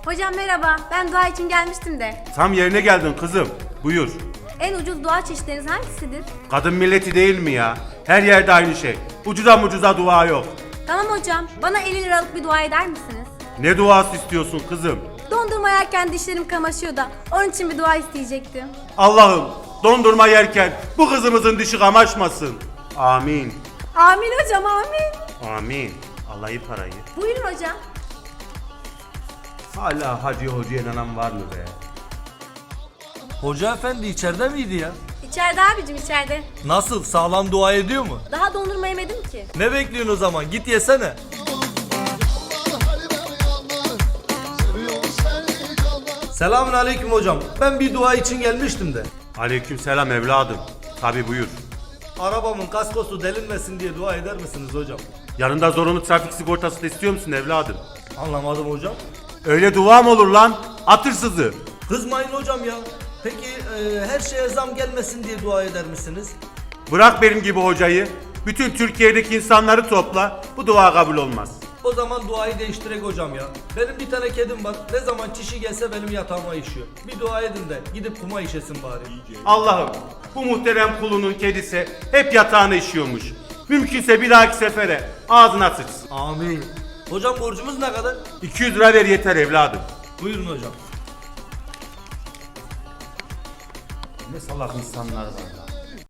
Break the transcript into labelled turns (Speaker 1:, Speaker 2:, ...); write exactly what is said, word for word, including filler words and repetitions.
Speaker 1: Hocam merhaba, ben dua için gelmiştim de.
Speaker 2: Tam yerine geldin kızım. Buyur.
Speaker 1: En ucuz dua çeşitleriniz hangisidir?
Speaker 2: Kadın milleti değil mi ya? Her yerde aynı şey. Ucuza mucuza dua yok.
Speaker 1: Tamam hocam, bana elli liralık bir dua eder misiniz?
Speaker 2: Ne duası istiyorsun kızım?
Speaker 1: Dondurma yerken dişlerim kamaşıyor da onun için bir dua isteyecektim.
Speaker 2: Allah'ım dondurma yerken bu kızımızın dişi kamaşmasın. Amin.
Speaker 1: Amin hocam, amin.
Speaker 2: Amin. Alayı parayı.
Speaker 1: Buyurun hocam.
Speaker 2: Hala hacı hocaya inanan var mı be?
Speaker 3: Hoca efendi içeride miydi ya?
Speaker 1: İçeride abicim, içeride.
Speaker 3: Nasıl, sağlam dua ediyor mu?
Speaker 1: Daha dondurma yemedim ki.
Speaker 3: Ne bekliyorsun o zaman, git yesene. Selamun aleyküm hocam. Ben bir dua için gelmiştim de.
Speaker 2: Aleykümselam evladım. Tabi buyur.
Speaker 3: Arabamın kaskosu delinmesin diye dua eder misiniz hocam?
Speaker 2: Yanında zorunlu trafik sigortası da istiyor musun evladım?
Speaker 3: Anlamadım hocam.
Speaker 2: Öyle dua mı olur lan? Atırsızı.
Speaker 3: Kızmayın hocam ya. Peki e, her şeye zam gelmesin diye dua eder misiniz?
Speaker 2: Bırak benim gibi hocayı. Bütün Türkiye'deki insanları topla. Bu dua kabul olmaz.
Speaker 3: O zaman duayı değiştirek hocam ya. Benim bir tane kedim var. Ne zaman çişi gelse benim yatağıma işiyor. Bir dua edin de gidip kuma işesin bari.
Speaker 2: Allah'ım bu muhterem kulunun kedisi hep yatağına işiyormuş. Mümkünse bir dahaki sefere ağzına sıçsın.
Speaker 3: Amin. Hocam borcumuz ne kadar?
Speaker 2: iki yüz lira ver yeter evladım.
Speaker 3: Buyurun hocam.
Speaker 2: Ne salak insanlar var.